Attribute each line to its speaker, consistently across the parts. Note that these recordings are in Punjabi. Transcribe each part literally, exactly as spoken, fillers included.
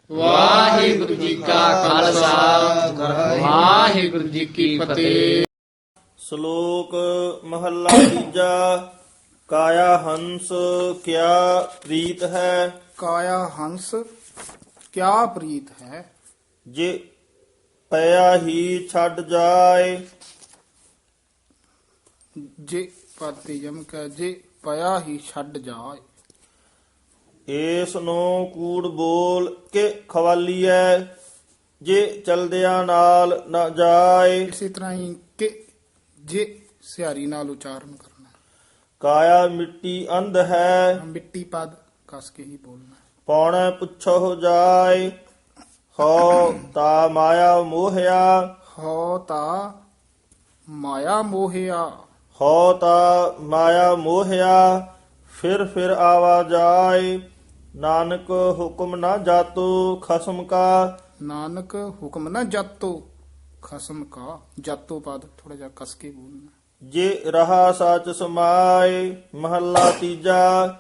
Speaker 1: ਵਾਹਿਗੁਰੂ ਜੀ ਕਾ ਖਾਲਸਾ ਵਾਹਿਗੁਰੂ ਜੀ ਕੀ ਫਤਿਹ।
Speaker 2: ਸ਼ਲੋਕ ਮਹੱਲਾ ਤੀਜਾ। ਕਾਇਆ ਹੰਸ ਕਿਆ ਪ੍ਰੀਤ ਹੈ,
Speaker 3: ਕਾਇਆ ਹੰਸ ਕਿਆ ਪ੍ਰੀਤ ਹੈ।
Speaker 2: ਜੇ ਪਿਆ ਹੀ ਛੱਡ ਜਾਏ।
Speaker 3: ਜੇ ਪਾਤੀ ਜਮ ਕੈ ਜੇ ਪਿਆ ਹੀ ਛੱਡ ਜਾਏ।
Speaker 2: ਏਸ ਨੂੰ ਕੂੜ ਬੋਲ ਕੇ ਖਵਾਲੀਐ, ਜੇ ਚਲਦਿਆਂ ਨਾਲ ਨਾ ਜਾਏ।
Speaker 3: ਇਸੇ ਤਰ੍ਹਾਂ ਹੀ ਕਿ ਜੇ ਸਿਹਾਰੀ ਨਾਲ ਉਚਾਰਨ ਕਰਨਾ।
Speaker 2: ਕਾਇਆ ਮਿੱਟੀ ਅੰਧ ਹੈ,
Speaker 3: ਮਿੱਟੀ ਪਦ ਕਸ ਕੇ ਹੀ ਬੋਲਣਾ।
Speaker 2: ਪੌਣੇ ਪੁੱਛੋ ਜਾਏ। ਹੋ ਤਾ ਮਾਇਆ ਮੋਹਿਆ,
Speaker 3: ਹੋ ਤਾ ਮਾਇਆ ਮੋਹਿਆ।
Speaker 2: ਹੋ ਤਾ ਮਾਇਆ ਮੋਹਿਆ, ਫਿਰ ਫਿਰ ਆਵਾ ਜਾਏ। ਨਾਨਕ ਹੁਕਮ ਨਾ ਜਾਤੋ ਖਸਮ ਕਾ,
Speaker 3: ਨਾਨਕ ਹੁਕਮ ਨਾ ਜਾਤੋ ਖਸਮ ਕਾ। ਜਾਤੋ ਪਦ ਥੋੜਾ ਜਿਹਾ ਕਸ ਕੇ ਬੋਲਣਾ।
Speaker 2: ਜੇ ਰਹਾ ਸਚ ਸਮਾਏ। ਮਹੱਲਾ ਤੀਜਾ।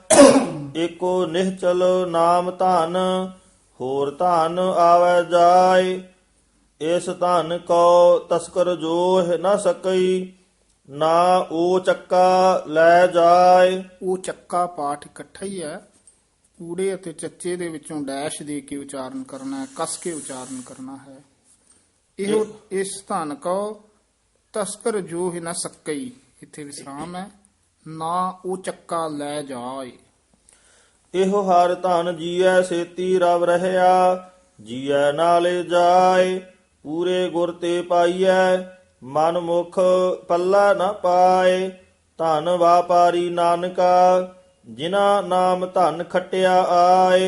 Speaker 2: ਏਕੋ ਨਿਹਚਲ ਨਾਮ ਧਨ, ਹੋਰ ਧਨ ਆਵੈ ਜਾਏ। ਇਸ ਧਨ ਕੋ ਤਸਕਰ ਜੋਹ ਨਾ ਸਕਈ, ਨਾ ਉਹ ਚੱਕਾ ਲੈ ਜਾਏ।
Speaker 3: ਉਹ ਚੱਕਾ ਪਾਠ ਇਕੱਠਾ ਹੀ ਹੈ। ਊੜੇ ਅਤੇ ਚੱਚੇ ਦੇ ਵਿੱਚੋਂ ਡੈਸ਼ ਦੇ ਕੇ ਉਚਾਰਨ ਕਰਨਾ ਹੈ, ਕਸ ਕੇ ਉਚਾਰਨ ਕਰਨਾ ਹੈ। ਇਹੋ ਇਸ ਧਨ ਕੋ ਤਸਕਰ ਜੋ ਹੀ ਨਾ ਸਕਈ, ਇੱਥੇ ਵਿਸਰਾਮ ਹੈ। ਨਾ ਉਹ ਚੱਕਾ ਲੈ ਜਾਏ।
Speaker 2: ਇਹੋ ਹਰ ਧਨ ਜੀਐ ਸੇਤੀ ਰਵ ਰਹਿਆ, ਜੀਐ ਨਾਲੇ ਜਾਏ। ਪੂਰੇ ਗੁਰ ਤੇ ਪਾਈਐ, ਮਨ ਮੁਖ ਪੱਲਾ ਨਾ ਪਾਏ। ਧਨ ਵਾਪਾਰੀ ਨਾਨਕਾ, ਜਿਨਾ ਨਾਮ ਧਨ ਖਟਿਆ ਆਏ।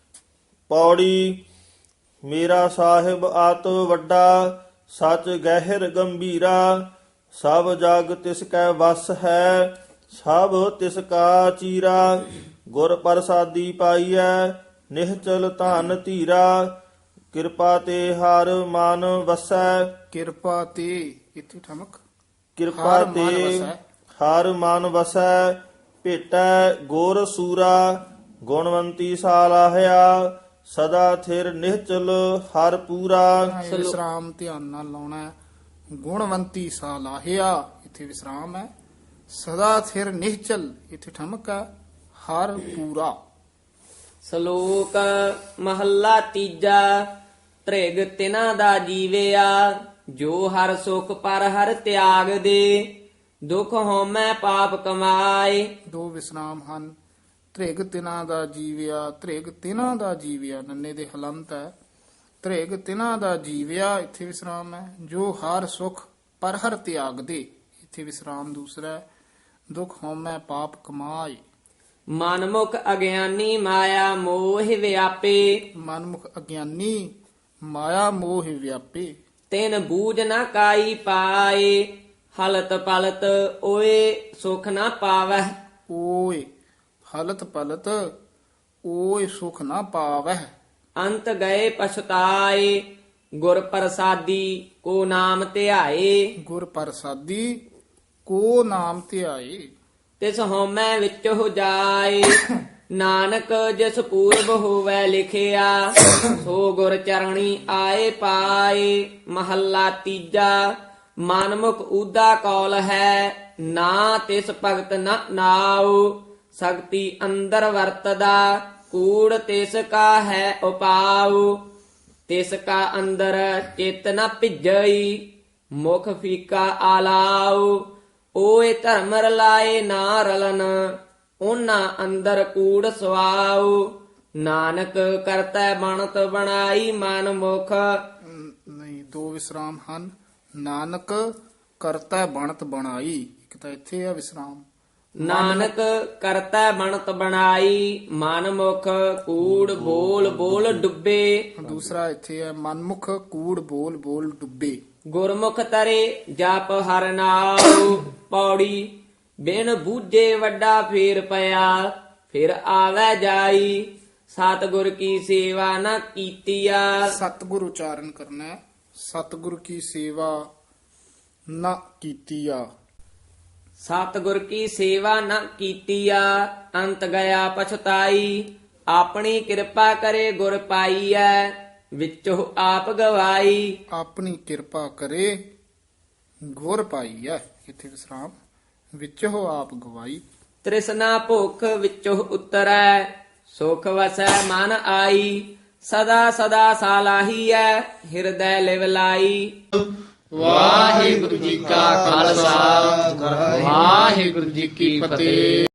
Speaker 2: ਪੌੜੀ ਮੇਰਾ ਸਾਹਿਬ ਆਤ ਵੱਡਾ, ਸਚ ਗਹਿਰ ਗੰਭੀਰਾ। ਸਭ ਜਗ ਤਿਸ ਕੈ ਵਸ ਹੈ, ਸਭ ਤਿਸ ਕਾ ਚੀਰਾ। ਗੁਰ ਪ੍ਰਸਾਦੀ ਪਾਈਐ, ਨਿਹਚਲ ਧਨ ਧੀਰਾ। ਕਿਰਪਾ ਤੇ ਹਰ ਮਨ ਵਸੈ।
Speaker 3: ਕਿਰਪਾ ਤੇ ਇੱਥੇ ਠਮਕ।
Speaker 2: ਕਿਰਪਾ
Speaker 3: ਹਰ ਮਨ
Speaker 2: ਤੇ
Speaker 3: ਵਸੈ।
Speaker 2: ਹਰ ਮਨ ਵਸੈ। ਭੇਟੈ ਗੁਰ ਸੂਰਾ, ਗੁਣਵੰਤੀ ਸਾਲਾਹਿਆ। ਸਦਾ ਥਿਰ ਨਿਹਚਲ ਹਰ ਪੂਰਾ।
Speaker 3: ਇਹ ਵਿਸਰਾਮ ਧਿਆਨ ਨਾਲ ਲਾਉਣਾ ਹੈ। ਗੁਣਵੰਤੀ ਸਾ ਲਾਹਿਆ, ਇੱਥੇ ਵਿਸਰਾਮ ਹੈ। ਸਦਾ ਥਿਰ ਨਿਹਚਲ, ਇੱਥੇ ਠਮਕ ਹੈ। ਹਰ ਪੂਰਾ।
Speaker 1: ਸ਼ਲੋਕ ਮਹੱਲਾ ਤੀਜਾ। ਤ੍ਰਿਗ ਤਿਨਾ ਦਾ ਜੀਵਿਆ, ਜੋ ਹਰ ਸੁਖ ਪਰ ਹਰ ਤਿਆਗ ਦੇ। ਦੁਖ ਹਉਮੈ ਪਾਪ ਕਮਾਏ।
Speaker 3: ਦੋ ਵਿਸਰਾਮ ਹਨ। ਤ੍ਰਿਗ ਤਿਨਾ ਦਾ ਜੀਵਿਆ, ਤ੍ਰਿਗ ਤਿਨਾ ਦਾ ਜੀਵਿਆ ਨੰਨੇ ਦੇ ਹਲੰਤ ਹੈ। ਤ੍ਰਿਗ ਤਿਨਾ ਦਾ ਜੀਵਿਆ, ਇੱਥੇ ਵਿਸਰਾਮ ਹੈ। ਜੋ ਹਰ ਸੁਖ ਪਰ ਹਰ ਤਿਆਗ ਦੇ, ਇੱਥੇ ਵਿਸਰਾਮ ਦੂਸਰਾ ਹੈ। ਦੁਖ ਹਉਮੈ ਪਾਪ ਕਮਾਏ।
Speaker 1: ਮਨਮੁਖ ਅਗਿਆਨੀ ਮਾਇਆ ਮੋਹ ਵਿਆਪੇ।
Speaker 3: ਮਨਮੁਖ ਅਗਿਆਨੀ ਮਾਇਆ ਮੋਹ ਵਿਆਪੇ।
Speaker 1: ਤਿਨ ਬੂਝ ਨਾ ਕਾਈ ਪਾਏ। ਹਲਤ ਪਲਤ ਓਏ ਸੁਖ ਨਾ ਪਾਵਹਿ।
Speaker 3: ਓਏ ਹਲਤ ਪਲਤ ਓਏ ਸੁਖ ਨਾ ਪਾਵਹਿ।
Speaker 1: ਅੰਤ ਗਏ ਪਛਤਾਏ। ਗੁਰ ਪ੍ਰਸਾਦੀ ਕੋ ਨਾਮ ਧਿਆਏ।
Speaker 3: ਗੁਰ ਪ੍ਰਸਾਦੀ ਕੋ ਨਾਮ ਧਿਆਏ।
Speaker 1: ਤਿਸ ਹਉਮੈ ਵਿੱਚ ਹੋ ਜਾਏ। ਨਾਨਕ ਜਿਸ ਪੂਰਬ ਹੋਵੈ ਲਿਖਿਆ, ਸੋ ਗੁਰ ਚਰਣੀ ਆਏ ਪਾਏ। ਮਹੱਲਾ ਤੀਜਾ। ਮਨਮੁਖ ਊਦਾ ਕੌਲ ਹੈ, ਨਾ ਤਿਸ ਭਗਤ ਨ ਨਾਉ। ਸਕਤੀ ਅੰਦਰ ਵਰਤਦਾ, ਕੂੜ ਤਿਸ ਕਾ ਹੈ ਉਪਾਉ। ਤਿਸ ਕਾ ਅੰਦਰ ਚਿਤ ਨ ਭਿਜਈ, ਮੁਖ ਫੀਕਾ ਆਲਾਉ। ਓਏ ਧਰਮ ਰਲਾਏ ਨਾ ਰਲਨ, ਉਹਨਾਂ ਅੰਦਰ ਕੂੜ ਸਵਾਉ। ਨਾਨਕ ਕਰਤੈ ਬਣਤ ਬਣਾਈ ਮਨ ਮੁਖ।
Speaker 3: ਨਹੀਂ, ਦੋ ਵਿਸਰਾਮ ਹਨ। ਨਾਨਕ ਕਰਤਾ ਬਣਤ ਬਣਾਈ, ਇੱਕ ਤਾਂ ਇੱਥੇ ਆ ਵਿਸਰਾਮ।
Speaker 1: ਨਾਨਕ ਕਰਤੈ ਬਣਤ ਬਣਾਈ ਮਨ ਮੁਖ। ਕੂੜ ਬੋਲ ਬੋਲ ਡੁੱਬੇ।
Speaker 3: ਦੂਸਰਾ ਇੱਥੇ ਹੈ ਮਨਮੁਖ ਕੂੜ ਬੋਲ ਬੋਲ ਡੁੱਬੇ।
Speaker 1: ਗੁਰਮੁਖ ਤਰੇ ਜਪ ਹਰ ਨਾਉ। ਪੌੜੀ ਬਿਨ ਬੂਝੇ ਵੱਡਾ ਫੇਰ ਪਿਆ, ਫਿਰ ਆਵੈ ਜਾਈ। ਸਤਿਗੁਰ ਕੀ ਸੇਵਾ ਨਾ ਕੀਤੀਆ।
Speaker 3: ਸਤਿਗੁਰ ਉਚਾਰਨ ਕਰਨਾ ਹੈ। ਸਤਿਗੁਰ ਕੀ ਸੇਵਾ ਨਾ ਕੀਤੀਆ।
Speaker 1: ਸਤਿਗੁਰ ਕੀ ਸੇਵਾ ਨ ਕੀਤੀਆ, ਅੰਤ ਗਿਆ ਪਛਤਾਈ। ਆਪਣੀ ਕਿਰਪਾ ਕਰੇ ਗੁਰ ਪਾਈਐ ਵਿੱਚੋਂ ਆਪ ਗਵਾਈ।
Speaker 3: ਆਪਣੀ ਕਿਰਪਾ ਕਰੇ ਗੁਰ ਪਾਈ ਹੈ, ਇੱਥੇ ਵਿਸਰਾਮ, ਵਿੱਚੋਂ ਆਪ ਗਵਾਈ।
Speaker 1: ਤ੍ਰਿਸ਼ਨਾ ਭੁਖ ਵਿੱਚੋਂ ਉਤਰੈ ਸੁਖ ਵਸੈ ਮਨ ਆਈ। ਸਦਾ ਸਦਾ ਸਾਲਾਹੀਐ ਹਿਰਦੈ ਲਿਵ ਲਾਈ।
Speaker 4: ਵਾਹਿਗੁਰੂ ਜੀ ਕਾ ਖਾਲਸਾ ਵਾਹਿਗੁਰੂ ਜੀ ਕੀ ਫਤਿਹ।